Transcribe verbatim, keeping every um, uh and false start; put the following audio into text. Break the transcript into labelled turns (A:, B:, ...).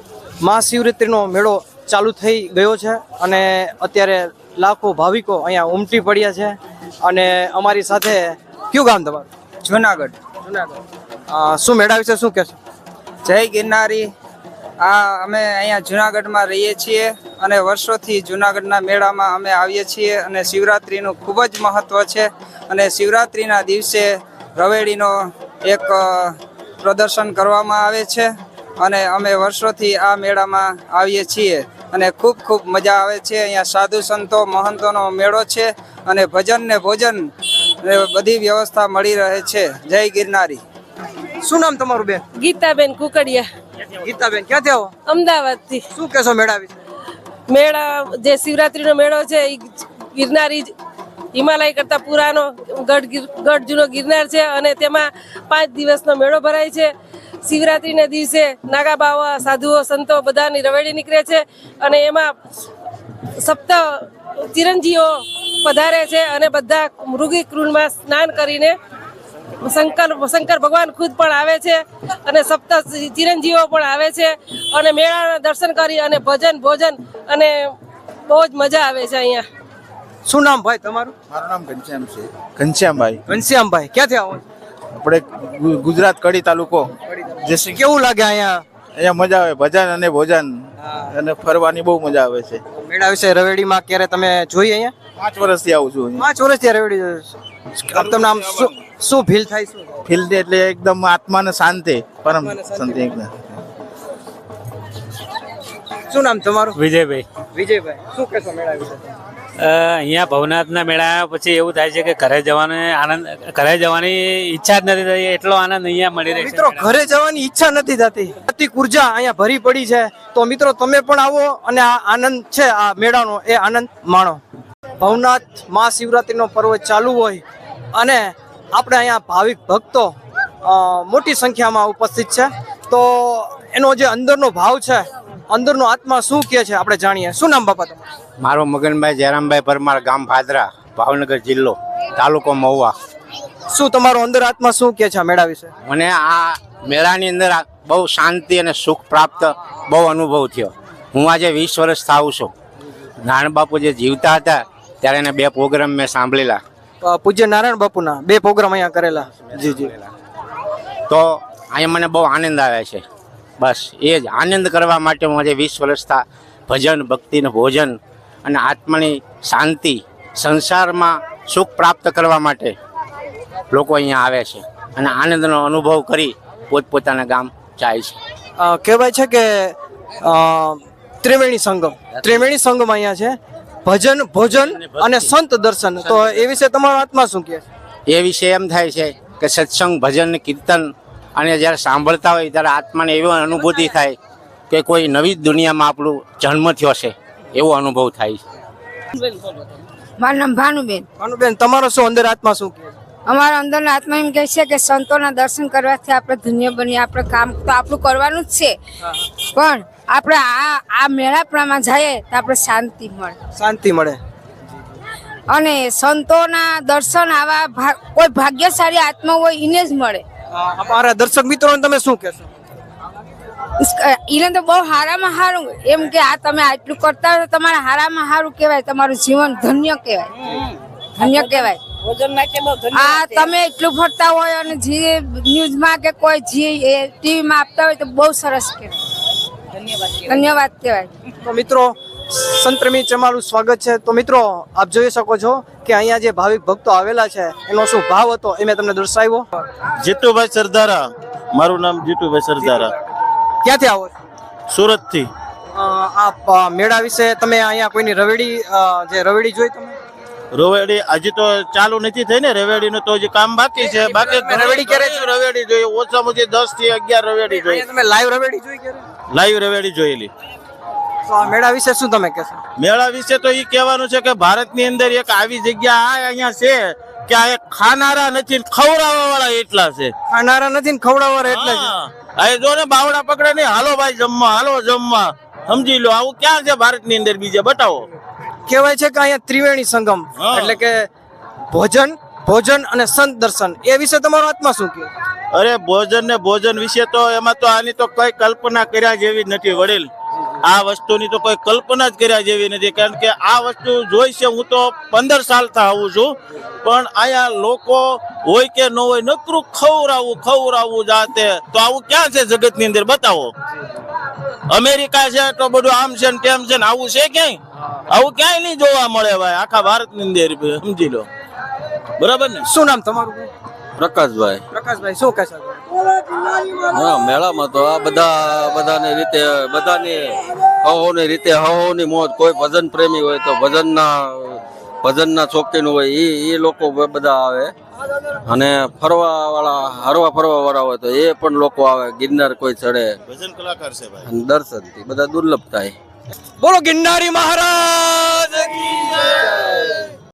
A: મહાશિવરાત્રિનો મેળો ચાલુ થઈ ગયો છે અને અત્યારે લાખો ભાવિકો અહીંયા ઉમટી પડ્યા છે અને અમારી સાથે કયું ગામ તમારું?
B: જુનાગઢ.
A: જુનાગઢ. શું મેળા વિશે શું કહેશો?
B: જય ગિરનારી. આ અમે અહીંયા જુનાગઢમાં રહીએ છીએ અને વર્ષોથી જુનાગઢના મેળામાં અમે આવીએ છીએ અને શિવરાત્રિનું ખૂબ જ મહત્ત્વ છે અને શિવરાત્રિના દિવસે રવેડીનો એક પ્રદર્શન કરવામાં આવે છે અને અમે વર્ષોથી આ મેળામાં આવીએ છીએ અને ખૂબ ખૂબ મજા આવે છે. અહીંયા સાધુ સંતો મહંતોનો મેળો છે અને ભજન ને ભોજન બધી વ્યવસ્થા મળી રહે છે. જય ગિરનારી.
A: શું નામ તમારું બેન?
C: ગીતાબેન કુકડિયા.
A: ગીતાબેન ક્યાંથી આવો?
C: અમદાવાદ થી.
A: શું કહેશો મેળા વિશે?
C: મેળા જે શિવરાત્રીનો મેળો છે એ ગિરનારી હિમાલય કરતા પુરાનો ગઢ ગઢ જૂનો ગિરનાર છે અને તેમાં પાંચ દિવસનો મેળો ભરાય છે. શિવરાત્રીના દિવસે નાગા બાવા સાધુઓ સંતો બધાની રવેડી નીકળે છે અને એમાં સપ્ત ચિરંજીવો પધારે છે અને બધા મૃગી કૃણમાં સ્નાન કરીને શંકર શંકર ભગવાન ખુદ પણ આવે છે અને સપ્ત ચિરંજીવો પણ આવે છે અને મેળાના દર્શન કરી અને ભજન ભોજન અને બહુ જ મજા આવે છે અહીંયા.
A: શું નામ ભાઈ તમારું?
D: મારું નામ ઘનશ્યામ છે. ઘનશ્યામભાઈ.
A: ઘનશ્યામભાઈ ક્યાંથી આવો?
D: આપણે ગુજરાત કડી તાલુકો.
A: જય કેવું લાગે અહીંયા?
D: અહીંયા મજા આવે, ભજન અને ભોજન અને ફરવાની બહુ મજા આવે છે.
A: મેળા વિશે રવેડીમાં ક્યારે તમે જોઈ અહીંયા?
D: પાંચ વર્ષથી આવું છું.
A: પાંચ વર્ષથી રવેડી જોઈ. તમને આમ શું શું ફીલ થાય? શું
D: ફીલ એટલે એકદમ આત્માને શાંતિ, પરમ શાંતિ એકદમ.
A: શું નામ તમારું?
E: વિજયભાઈ.
A: વિજયભાઈ શું કહેશો મેળા વિશે?
E: અહીંયા ભવનાથના મેળા આવ્યા પછી એવું થાય છે કે ઘરે જવાનો આનંદ ઘરે જવાની ઈચ્છા જ નથી થતી, એટલો આનંદ અહીંયા મળી રહે છે.
A: મિત્રો ઘરે જવાની ઈચ્છા નથી થતી, અતિ ઉર્જા અહીંયા ભરી પડી છે. તો મિત્રો તમે પણ આવો અને આ આનંદ છે આ મેળાનો એ આનંદ માણો. ભવનાથ મહાશિવરાત્રિનો પર્વ ચાલુ હોય અને આપણે અહીંયા ભાવિક ભક્તો મોટી સંખ્યામાં ઉપસ્થિત છે. તો એનો જે અંદરનો ભાવ છે, અંદરનો આત્મા શું કહે છે આપણે જાણીએ. શું નામ બાપા તમારું?
F: મારો મગનભાઈ જયરામભાઈ પરમાર, ગામ ભાદરા, ભાવનગર જિલ્લો, તાલુકો મહુવા.
A: શું તમારો અંદર આત્મા શું કહે છે આ મેળા વિશે?
F: મને આ મેળાની અંદર બહુ શાંતિ અને સુખ પ્રાપ્ત બહુ અનુભવ થયો. હું આજે વીસ વર્ષ થાઉં છું. નારાયણ બાપુ જે જીવતા હતા ત્યારે એને બે પ્રોગ્રામ મેં સાંભળેલા.
A: પૂજ્ય નારાયણ બાપુના બે પ્રોગ્રામ અહીંયા કરેલા. જી જી.
F: તો અહીંયા મને બહુ આનંદ આવે છે. બસ એ જ આનંદ કરવા માટે હું આજે વીસ વર્ષથી ભજન ભક્તિનું ભોજન અને આત્માની શાંતિ, સંસારમાં સુખ પ્રાપ્ત કરવા માટે લોકો અહીંયા આવે છે અને આનંદનો અનુભવ કરી પોતપોતાના ગામ જાય છે.
A: કહેવાય છે કે ત્રિવેણી સંગમ ત્રિવેણી સંગમ અહીંયા છે, ભજન ભોજન અને સંત દર્શન. તો એ વિશે તમારો આત્મા શું કહે છે?
F: એ વિશે એમ થાય છે કે સત્સંગ, ભજન, કીર્તન અને જ્યારે સાંભળતા હોય ત્યારે આત્માને એવી અનુભૂતિ થાય કે કોઈ નવી દુનિયામાં આપણું જન્મ થયો છે એવો અનુભવ થાય છે.
G: મારું નામ ભાનુબેન.
A: ભાનુબેન તમારો શું અંદર આત્મા શું કહે છે?
G: અમારા અંદરના આત્મા એમ કહે છે કે સંતોના દર્શન કરવાથી આપણે ધન્ય બનીએ. આપણે કામ તો આપણું કરવાનું જ છે, પણ આપણે આ આ મેળાપણામાં જઈએ તો આપણે શાંતિ મળે.
A: શાંતિ મળે.
G: અને સંતોના દર્શન આવા કોઈ ભાગ્યશાળી આત્મા હોય એને જ મળે.
A: અમારા દર્શક મિત્રોને તમે શું કહેશો?
G: એને તો બહુ હારામાં સારું એમ કે આ તમે આટલું કરતા હોય તો તમારા હારામાં સારું કહેવાય, તમારું જીવન ધન્ય કહેવાય, ધન્ય કહેવાય. આ તમે એટલું ફરતા હોય અને જે ન્યૂઝમાં કે કોઈ જે ટીવીમાં આપતા હોય તો બહુ સરસ કહેવાય, ધન્યવાદ કહેવાય.
A: તો મિત્રો સંતરમી ચમારું સ્વાગત છે. તો મિત્રો આપ જોઈ શકો છો કે અહીંયા જે ભાવિક ભક્તો આવેલા છે એનો શું ભાવ હતો એ મેં તમને દર્શાવ્યો.
H: જીતુભાઈ સરદારા. મારું નામ જીતુભાઈ સરદારા.
A: ક્યાંથી આવો?
H: સુરત થી.
A: આ મેળા વિશે તમે અહીંયા કોઈની રવેડી જે રવેડી જોઈ તમે?
H: રવેડી હજી તો ચાલુ નથી થઈ ને, રવેડી નું તો હજી કામ બાકી છે. બાકી
A: રવેડી ક્યારે
H: રવેડી જોઈએ ઓછામાં ઓછી દસ થી અગિયાર રવેડી જોઈએ.
A: તમે લાઈવ રવેડી જોઈ ક્યારે?
H: લાઈવ રવેડી જોયેલી.
A: તો આ મેળા વિશે શું તમે કહેશો?
H: મેળા વિશે તો એ કહેવાનું છે કે ભારતની અંદર એક આવી જગ્યા આ અહીંયા છે કે આ એક ખાનારા નથી, ખવડાવવા વાળા એટલા છે.
A: ખાનારા નથી ને ખવડાવવા એટલા છે.
H: આ જો ને બાવડા પકડે નહીં, હાલો ભાઈ જમવા, હાલો જમવા, સમજી લો. આવું ક્યાં છે ભારતની અંદર બીજે? બતાવો.
A: કહેવાય છે કે અહીંયા ત્રિવેણી સંગમ એટલે કે ભોજન ભોજન અને સંત દર્શન એ વિશે તમારો આત્મા શું કહે?
H: અરે ભોજન ને ભોજન વિશે તો એમાં તો આની તો કઈ કલ્પના કર્યા જેવી જ નથી વડીલ. આ વસ્તુની તો કોઈ કલ્પના જ કર્યા જેવી નથી, કારણ કે આ વસ્તુ જોઈ છે. હું તો પંદર સાલથી આવું છું, પણ અહીંયા લોકો હોય કે ન હોય નકરું ખવડાવવું ખવડાવવું જાતે. તો આવું ક્યાં છે જગતની અંદર? બતાવો. અમેરિકા છે તો બધું આમ છે ને તેમ છે ને, આવું છે ક્યાંય? આવું ક્યાંય નહીં જોવા મળે ભાઈ, આખા ભારતની અંદર. સમજી લો, બરાબર ને?
A: શું નામ તમારું?
I: પ્રકાશભાઈ.
A: પ્રકાશભાઈ, શું કહેશો?
I: હા, મેળામાં તો આ બધા બધાની રીતે બધાની હહોની રીતે હહોની મોજ. કોઈ ભજન પ્રેમી હોય તો ભજનના ભજનના શોખીન હોય એ એ લોકો બધા આવે, અને ફરવા વાળા હરવા ફરવા વાળા હોય તો એ પણ લોકો આવે. ગિરનાર કોઈ ચડે,
H: ભજન કલાકાર છે ભાઈ.
I: અને દર્શનથી બધા દુર્લભ થાય.
A: બોલો ગિરનારી મહારાજ કી જય.